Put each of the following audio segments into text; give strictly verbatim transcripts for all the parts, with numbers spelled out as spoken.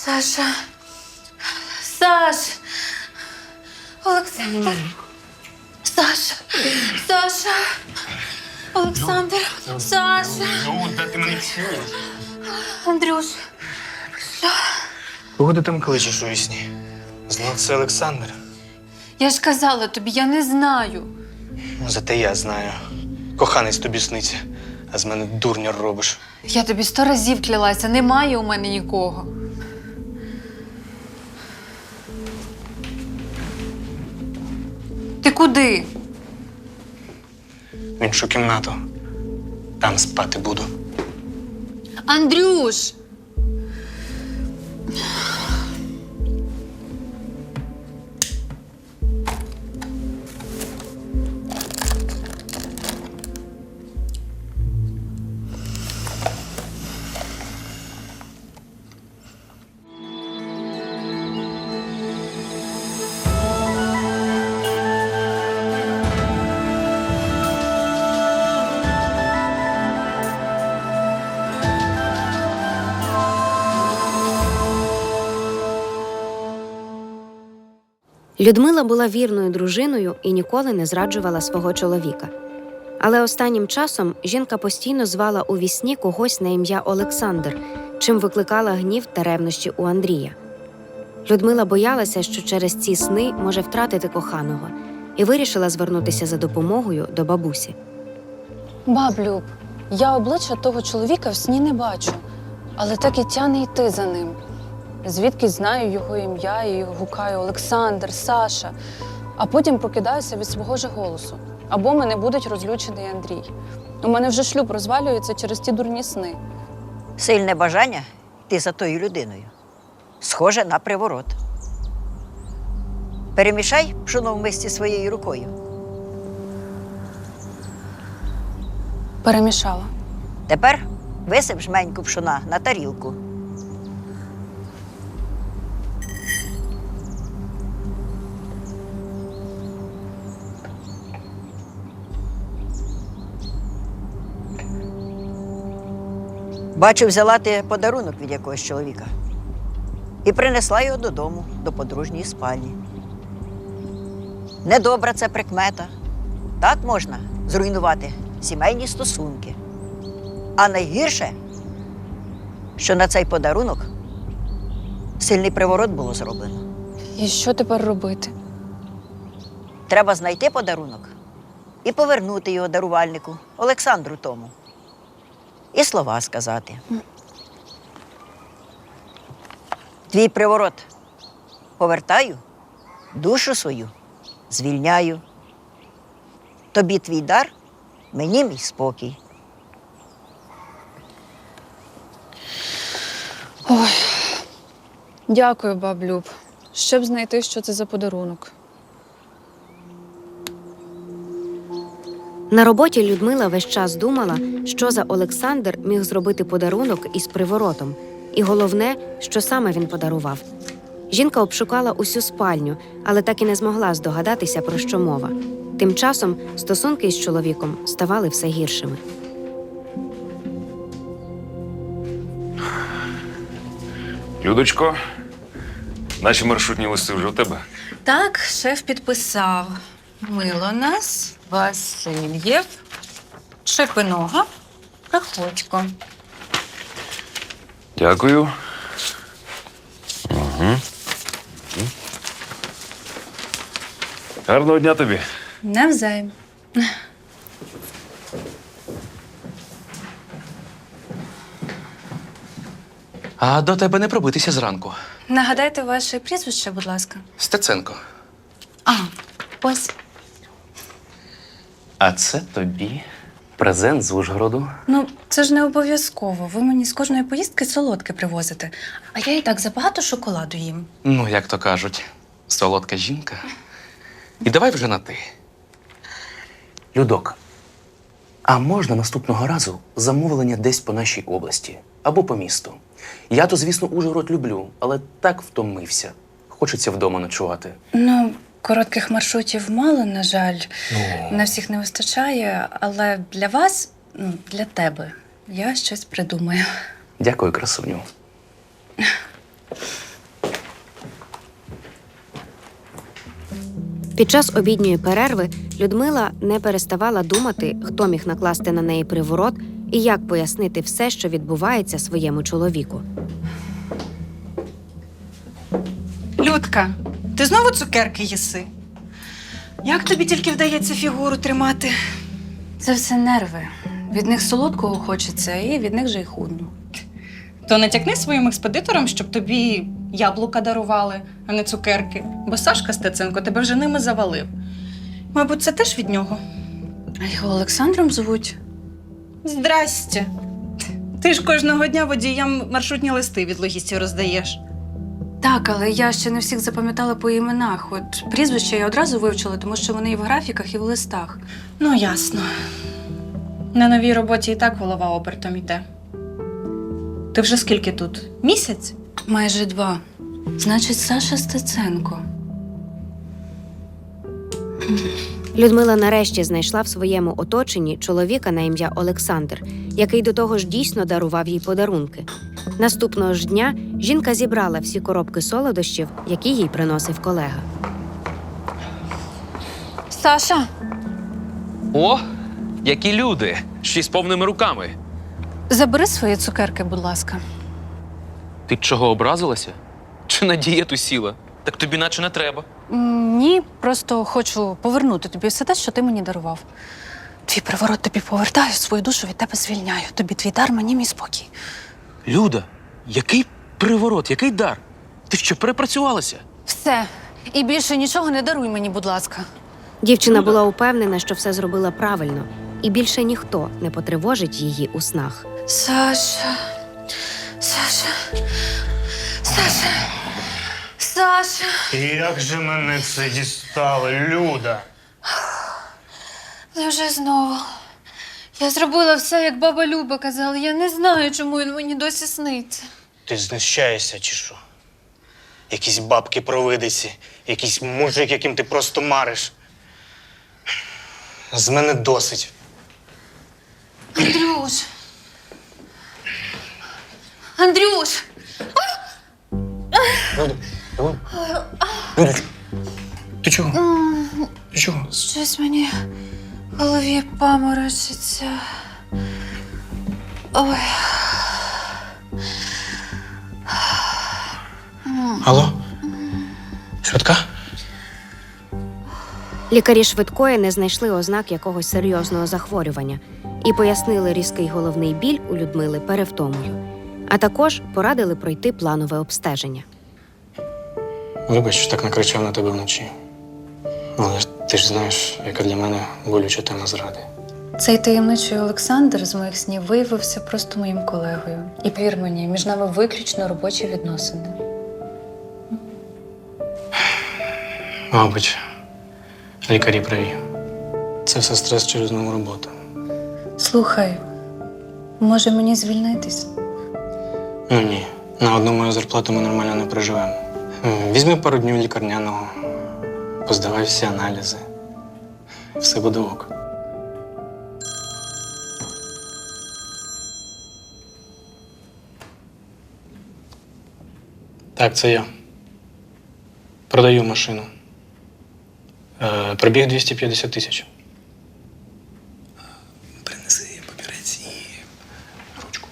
Саша. Саш. Олександр. Саша. Саша. Олександр. Саша. Ну, де ти мене чуєш? Андрюш. Кого ти там кличеш у вісні? Знов це Олександр. Я ж казала тобі, я не знаю. Ну, зате я знаю. Коханець тобі сниться, а з мене дурня робиш. Я тобі сто разів клялася, немає у мене нікого. Ти куди? В іншу кімнату. Там спати буду. Андрюш! Людмила була вірною дружиною і ніколи не зраджувала свого чоловіка. Але останнім часом жінка постійно звала у вісні когось на ім'я Олександр, чим викликала гнів та ревнощі у Андрія. Людмила боялася, що через ці сни може втратити коханого, і вирішила звернутися за допомогою до бабусі. Баб Люб, я обличчя того чоловіка в сні не бачу, але так і тяне йти за ним. Звідки знаю його ім'я і гукаю Олександр, Саша, а потім прокидаюся від свого ж голосу. Або мене будуть розлючений Андрій. У мене вже шлюб розвалюється через ті дурні сни. Сильне бажання йти за тою людиною. Схоже на приворот. Перемішай пшоно в мисці своєю рукою. Перемішала. Тепер висип жменьку пшона на тарілку. Бачу, взяла ти подарунок від якогось чоловіка і принесла його додому, до подружньої спальні. Недобра це прикмета. Так можна зруйнувати сімейні стосунки. А найгірше, що на цей подарунок сильний приворот було зроблено. І що тепер робити? Треба знайти подарунок і повернути його дарувальнику, Олександру тому. І слова сказати. Твій приворот повертаю, душу свою звільняю. Тобі твій дар, мені мій спокій. Ой, дякую, баб Люб. Щоб знайти, що це за подарунок. На роботі Людмила весь час думала, що за Олександр міг зробити подарунок із приворотом. І головне, що саме він подарував. Жінка обшукала усю спальню, але так і не змогла здогадатися, про що мова. Тим часом стосунки із чоловіком ставали все гіршими. Людочко, наші маршрутні листи вже у тебе? Так, шеф підписав. Милонас, Васильєв, Шепинога, Проходько. Дякую. Угу. Гарного дня тобі. Навзаєм. А до тебе не пробитися зранку. Нагадайте ваше прізвище, будь ласка. Стеценко. А, ось. А це тобі презент з Ужгороду. Ну, це ж не обов'язково. Ви мені з кожної поїздки солодке привозите. А я і так забагато шоколаду їм. Ну, як то кажуть, солодка жінка. І давай вже на ти. Людок, а можна наступного разу замовлення десь по нашій області або по місту? Я то, звісно, Ужгород люблю, але так втомився. Хочеться вдома ночувати. Ну, коротких маршрутів мало, на жаль. Ну. На всіх не вистачає, але для вас, ну, для тебе, я щось придумаю. Дякую, красуню. Під час обідньої перерви Людмила не переставала думати, хто міг накласти на неї приворот і як пояснити все, що відбувається своєму чоловіку. Людка, ти знову цукерки їси? Як тобі тільки вдається фігуру тримати? Це все нерви. Від них солодкого хочеться, і від них же й худну. То натякни своїм експедиторам, щоб тобі яблука дарували, а не цукерки. Бо Сашка Стеценко тебе вже ними завалив. Мабуть, це теж від нього. А його Олександром звуть. Здрасте. Ти ж кожного дня водіям маршрутні листи від логістів роздаєш. Так, але я ще не всіх запам'ятала по іменах. От прізвища я одразу вивчила, тому що вони і в графіках, і в листах. Ну, ясно. На новій роботі і так голова обертом йде. Ти вже скільки тут? Місяць? Майже два. Значить, Саша Стеценко. Людмила нарешті знайшла в своєму оточенні чоловіка на ім'я Олександр, який до того ж дійсно дарував їй подарунки. Наступного ж дня жінка зібрала всі коробки солодощів, які їй приносив колега. Саша! О, які люди! Ще й з повними руками. Забери свої цукерки, будь ласка. Ти чого, образилася? Чи на дієту сіла? Так тобі наче не треба. М, Ні, просто хочу повернути тобі все те, що ти мені дарував. Твій приворот тобі повертаю, свою душу від тебе звільняю. Тобі твій дар, мені мій спокій. Люда, який приворот, який дар? Ти що, перепрацювалася? Все. І більше нічого не даруй мені, будь ласка. Дівчина була упевнена, що все зробила правильно, і більше ніхто не потривожить її у снах. Саша. Саша. Саша. Саша. Як же мене це дістало, Люда? Невже знову? Я зробила все, як баба Люба казала. Я не знаю, чому він мені досі сниться. Ти знущаєшся чи що? Якісь бабки-провидиці, якийсь мужик, яким ти просто мариш. З мене досить. Андрюш! Андрюш! Люда, Люда, Людочка, ти чого? Ти чого? Щось мені в голові паморочиться. Ой. Алло? Швидка? Лікарі швидкої не знайшли ознак якогось серйозного захворювання і пояснили різкий головний біль у Людмили перевтомою, а також порадили пройти планове обстеження. Вибач, що так накричав на тебе вночі. Але ж ти ж знаєш, яка для мене болюча тема зради. Цей таємничий Олександр з моїх снів виявився просто моїм колегою. І повір мені, між нами виключно робочі відносини. Мабуть, лікарі праві. Це все стрес через нову роботу. Слухай, може мені звільнитись? Ну ні, на одну мою зарплату ми нормально не проживемо. М, Візьми пару днів лікарняного, поздавай всі аналізи. Все буде ок. Так, це я. Продаю машину. Е, пробіг двісті п'ятдесят тисяч. Принеси папірець і ручку.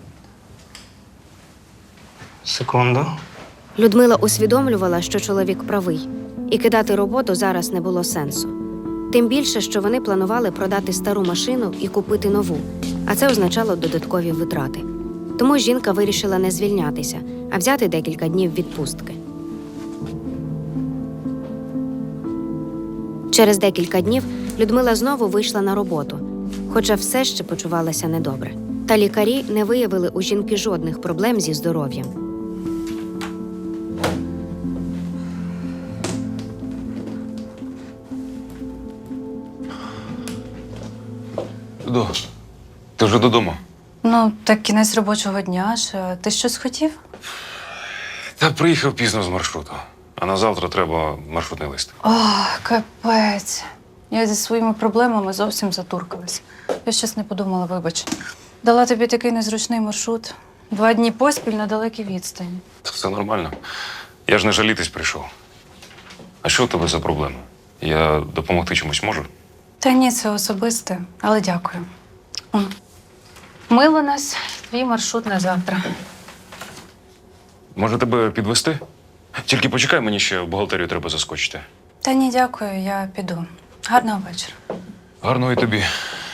Секунду. Людмила усвідомлювала, що чоловік правий, і кидати роботу зараз не було сенсу. Тим більше, що вони планували продати стару машину і купити нову, а це означало додаткові витрати. Тому жінка вирішила не звільнятися, а взяти декілька днів відпустки. Через декілька днів Людмила знову вийшла на роботу, хоча все ще почувалася недобре. Та лікарі не виявили у жінки жодних проблем зі здоров'ям. Людо, ти вже додому? Ну, так кінець робочого дня ж. А ти щось хотів? Та приїхав пізно з маршруту. А на завтра треба маршрутний лист. О, капець. Я зі своїми проблемами зовсім затуркалась. Я щось не подумала, вибач. Дала тобі такий незручний маршрут. Два дні поспіль на далекій відстані. Та все нормально. Я ж не жалітись прийшов. А що у тебе за проблема? Я допомогти чомусь можу? Та ні, це особисте, але дякую. О, мило нас, твій маршрут на завтра. Може тебе підвести? Тільки почекай, мені ще в бухгалтерію треба заскочити. Та ні, дякую, я піду. Гарного вечора. Гарного і тобі.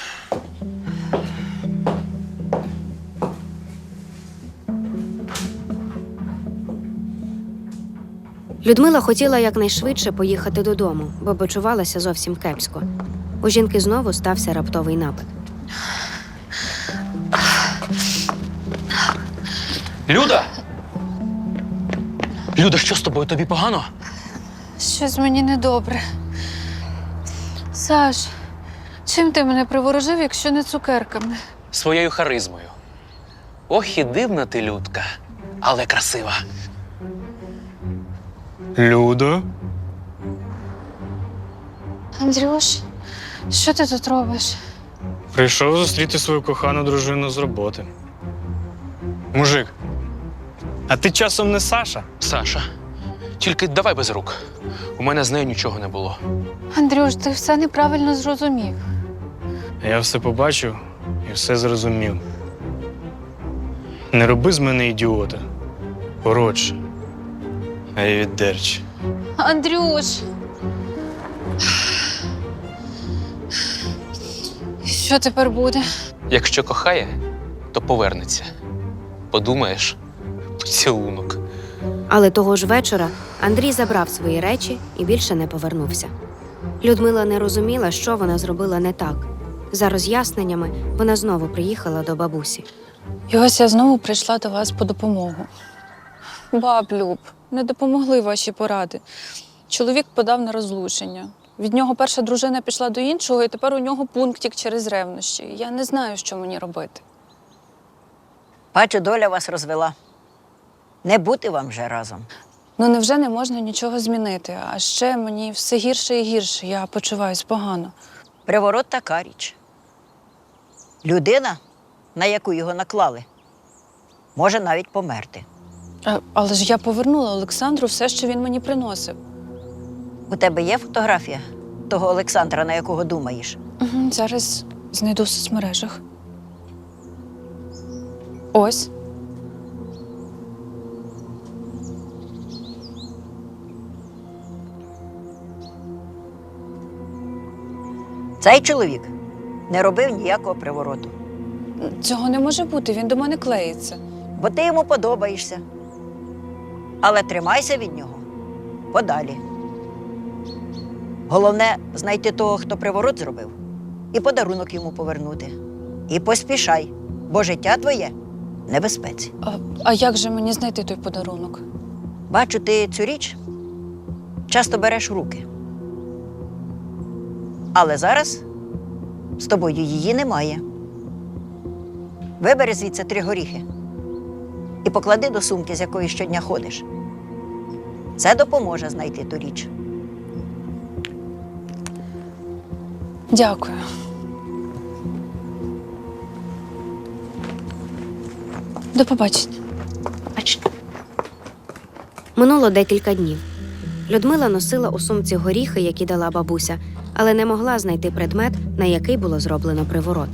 Людмила хотіла якнайшвидше поїхати додому, бо почувалася зовсім кепсько. У жінки знову стався раптовий напад. Люда! Люда, що з тобою? Тобі погано? Щось мені недобре. Саш, чим ти мене приворожив, якщо не цукерками? Своєю харизмою. Ох, і дивна ти, Людка, але красива. Людо? Андрюш, що ти тут робиш? Прийшов зустріти свою кохану дружину з роботи. Мужик, а ти часом не Саша? Саша, тільки давай без рук. У мене з нею нічого не було. Андрюш, ти все неправильно зрозумів. Я все побачив і все зрозумів. Не роби з мене ідіота. Коротше. А й віддерч. Андрюш! Що тепер буде? Якщо кохає, то повернеться. Подумаєш, поцілунок. Але того ж вечора Андрій забрав свої речі і більше не повернувся. Людмила не розуміла, що вона зробила не так. За роз'ясненнями вона знову приїхала до бабусі. І ось я знову прийшла до вас по допомогу. Баб, Люб, не допомогли ваші поради. Чоловік подав на розлучення. Від нього перша дружина пішла до іншого, і тепер у нього пунктик через ревнощі. Я не знаю, що мені робити. Бачу, доля вас розвела. Не бути вам вже разом. Ну невже не можна нічого змінити? А ще мені все гірше і гірше. Я почуваюсь погано. Приворот така річ. Людина, на яку його наклали, може навіть померти. А, але ж я повернула Олександру все, що він мені приносив. У тебе є фотографія того Олександра, на якого думаєш? Угу, зараз знайду в соцмережах. Ось. Цей чоловік не робив ніякого привороту, Цього не може бути, він до мене клеїться. бо ти йому подобаєшся. Але тримайся від нього подалі. Головне – знайти того, хто приворот зробив, і подарунок йому повернути. І поспішай, бо життя твоє в небезпеці. А, а як же мені знайти той подарунок? Бачу, ти цю річ часто береш в руки. Але зараз з тобою її немає. Вибери звідси три горіхи і поклади до сумки, з якої щодня ходиш. Це допоможе знайти ту річ. Дякую. До побачення. Минуло декілька днів. Людмила носила у сумці горіхи, які дала бабуся, але не могла знайти предмет, на який було зроблено приворот.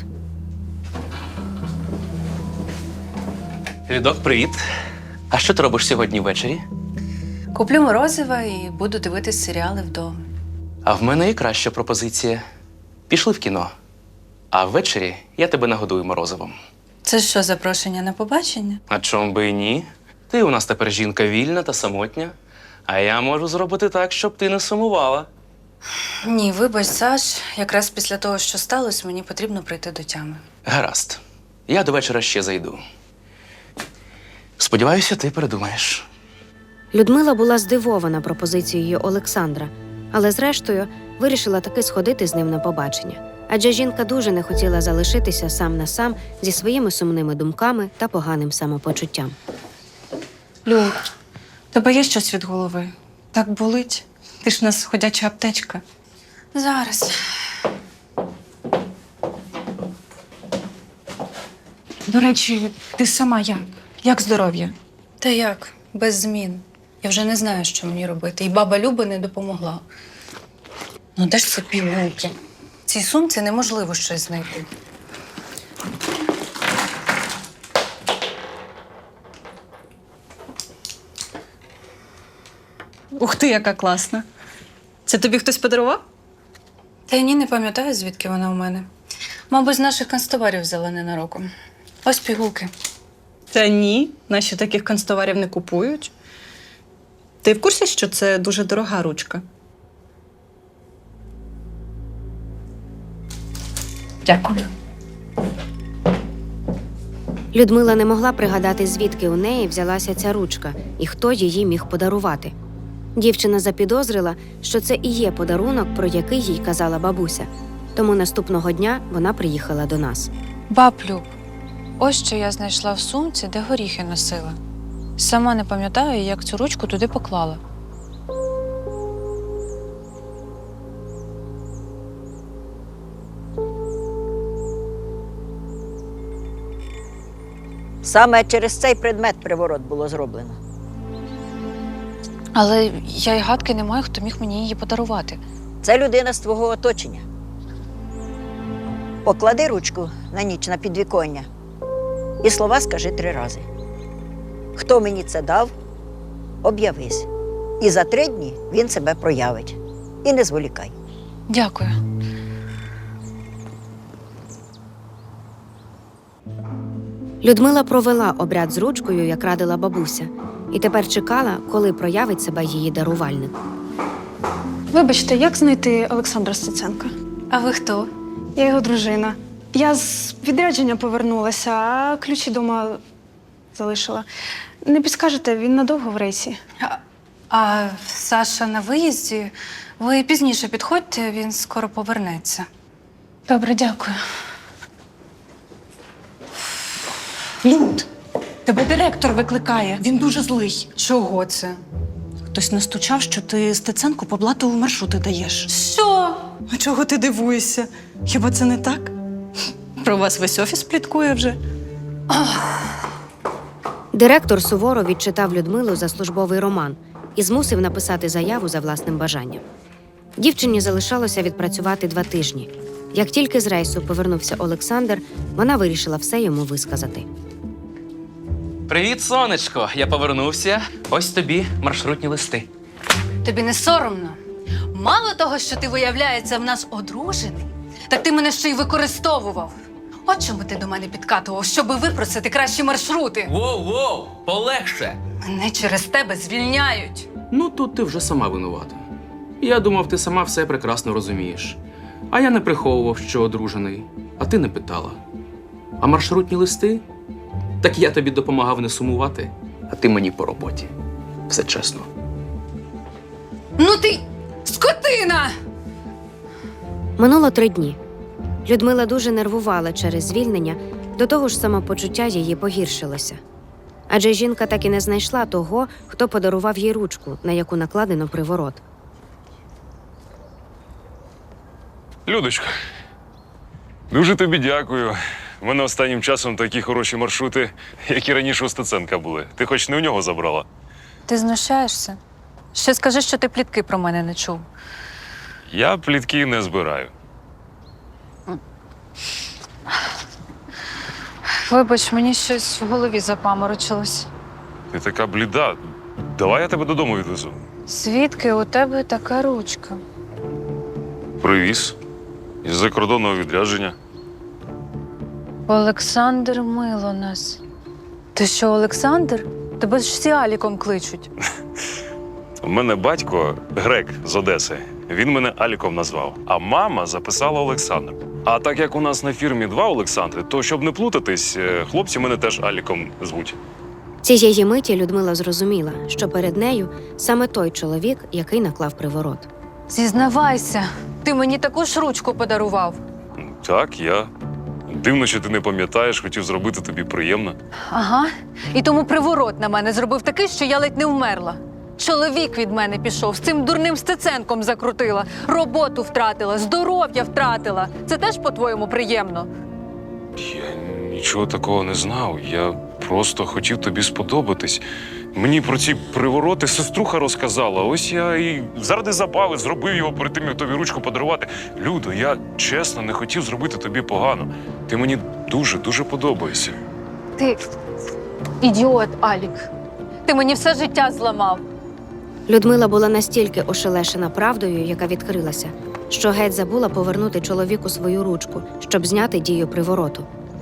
Людок, привіт. А що ти робиш сьогодні ввечері? Куплю морозива і буду дивитись серіали вдома. А в мене є краща пропозиція. Пішли в кіно. А ввечері я тебе нагодую морозивом. Це що, запрошення на побачення? А чом би і ні? Ти у нас тепер жінка вільна та самотня. А я можу зробити так, щоб ти не сумувала. Ні, вибач, Саш. Якраз після того, що сталося, мені потрібно прийти до тями. Гаразд. Я до вечора ще зайду. Сподіваюся, ти передумаєш. Людмила була здивована пропозицією Олександра, але зрештою вирішила таки сходити з ним на побачення. Адже жінка дуже не хотіла залишитися сам на сам зі своїми сумними думками та поганим самопочуттям. Люб, тебе є щось від голови? Так болить? Ти ж у нас ходяча аптечка. Зараз. До речі, ти сама як? Як здоров'я? Та як? Без змін. Я вже не знаю, що мені робити. І баба Люба не допомогла. Ну де ж це пігулки? В цій сумці неможливо щось знайти. Ух ти, яка класна. Це тобі хтось подарував? Та й ні, не пам'ятаю, звідки вона у мене. Мабуть, з наших канцтоварів взяла ненароком. Ось пігулки. Та ні, наші таких канцтоварів не купують. Ти в курсі, що це дуже дорога ручка? Дякую. Людмила не могла пригадати, звідки у неї взялася ця ручка і хто її міг подарувати. Дівчина запідозрила, що це і є подарунок, про який їй казала бабуся. Тому наступного дня вона приїхала до нас. Баб Люб, ось що я знайшла в сумці, де горіхи носила. Сама не пам'ятаю, як цю ручку туди поклала. Саме через цей предмет приворот було зроблено. Але я й гадки не маю, хто міг мені її подарувати. Це людина з твого оточення. Поклади ручку на ніч на підвіконня і слова скажи три рази. Хто мені це дав, об'явись. І за три дні він себе проявить. І не зволікай. Дякую. Людмила провела обряд з ручкою, як радила бабуся, і тепер чекала, коли проявить себе її дарувальник. Вибачте, як знайти Олександра Стеценка? А ви хто? Я його дружина. Я з відрядження повернулася, а ключі дома залишила. Не підскажете, він надовго в рейсі? А, а Саша на виїзді? Ви пізніше підходьте, він скоро повернеться. Добре, дякую. Люд, тебе директор викликає. Він дуже злий. Чого це? Хтось настучав, що ти Стеценку по блату маршрути даєш. Що? А чого ти дивуєшся? Хіба це не так? Про вас весь офіс пліткує вже. Директор суворо відчитав Людмилу за службовий роман і змусив написати заяву за власним бажанням. Дівчині залишалося відпрацювати два тижні. Як тільки з рейсу повернувся Олександр, вона вирішила все йому висказати. Привіт, сонечко! Я повернувся. Ось тобі маршрутні листи. Тобі не соромно? Мало того, що ти, виявляється, в нас одружений, так ти мене ще й використовував. От чому ти до мене підкатував, щоби випросити кращі маршрути. Воу-воу! Полегше! Мене через тебе звільняють. Ну, тут ти вже сама винувата. Я думав, ти сама все прекрасно розумієш. А я не приховував, що одружений, а ти не питала. А маршрутні листи? Так я тобі допомагав не сумувати, а ти мені по роботі. Все чесно. Ну ти скотина! Минуло три дні. Людмила дуже нервувала через звільнення, до того ж самопочуття її погіршилося. Адже жінка так і не знайшла того, хто подарував їй ручку, на яку накладено приворот. Людочка, дуже тобі дякую. У мене останнім часом такі хороші маршрути, які раніше у Стеценка були. Ти хоч не у нього забрала? Ти знущаєшся? Ще скажи, що ти плітки про мене не чув. Я плітки не збираю. Вибач, мені щось в голові запаморочилось. Ти така бліда. Давай я тебе додому відвезу. Звідки у тебе така ручка? Привіз. Із закордонного відрядження. Олександр мило нас. Ти що, Олександр? Тебе ж всі Аліком кличуть. У мене батько грек з Одеси. Він мене Аліком назвав, а мама записала Олександр. А так як у нас на фірмі два Олександри, то щоб не плутатись, хлопці мене теж Аліком звуть. Цієї миті Людмила зрозуміла, що перед нею саме той чоловік, який наклав приворот. Зізнавайся, ти мені таку ж ручку подарував. Так, я. Дивно, що ти не пам'ятаєш, хотів зробити тобі приємно. Ага. І тому приворот на мене зробив такий, що я ледь не вмерла. Чоловік від мене пішов, з цим дурним Стеценком закрутила, роботу втратила, здоров'я втратила. Це теж, по-твоєму, приємно? Я нічого такого не знав. Я просто хотів тобі сподобатись. Мені про ці привороти сеструха розказала. Ось я і заради забави зробив його перед тим, як тобі ручку подарувати. Людо, я чесно не хотів зробити тобі погано. Ти мені дуже-дуже подобаєшся. Ти ідіот, Алік. Ти мені все життя зламав. Людмила була настільки ошелешена правдою, яка відкрилася, що геть забула повернути чоловіку свою ручку, щоб зняти дію привороту.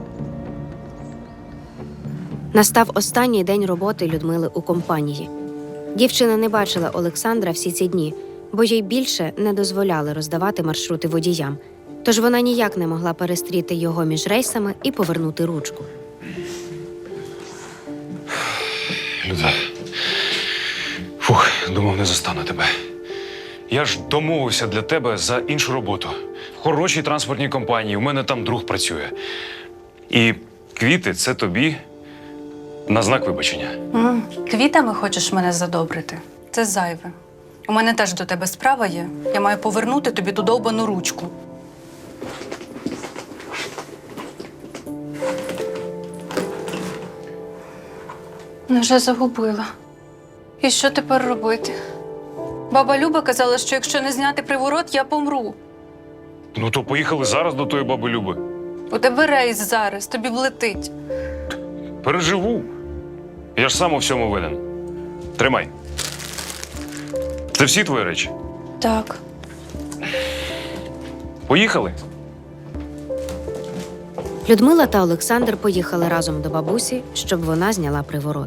Настав останній день роботи Людмили у компанії. Дівчина не бачила Олександра всі ці дні, бо їй більше не дозволяли роздавати маршрути водіям. Тож вона ніяк не могла перестріти його між рейсами і повернути ручку. Люда. Фух, думав, не застану тебе. Я ж домовився для тебе за іншу роботу. В хорошій транспортній компанії, у мене там друг працює. І квіти – це тобі на знак вибачення. М, Квітами хочеш мене задобрити? Це зайве. У мене теж до тебе справа є. Я маю повернути тобі ту довбану ручку. Вже загубила. І що тепер робити? Баба Люба казала, що якщо не зняти приворот, я помру. Ну то поїхали зараз до тої баби Люби. У тебе рейс зараз, тобі влетить. Переживу. Я ж сам у всьому винен. Тримай. Це всі твої речі? Так. Поїхали? Людмила та Олександр поїхали разом до бабусі, щоб вона зняла приворот.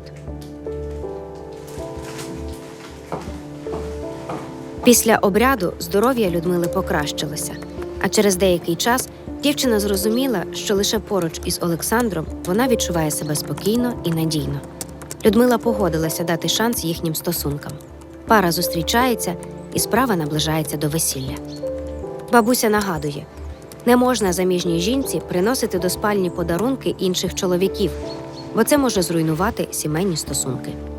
Після обряду здоров'я Людмили покращилося, а через деякий час дівчина зрозуміла, що лише поруч із Олександром вона відчуває себе спокійно і надійно. Людмила погодилася дати шанс їхнім стосункам. Пара зустрічається, і справа наближається до весілля. Бабуся нагадує, не можна заміжній жінці приносити до спальні подарунки інших чоловіків, бо це може зруйнувати сімейні стосунки.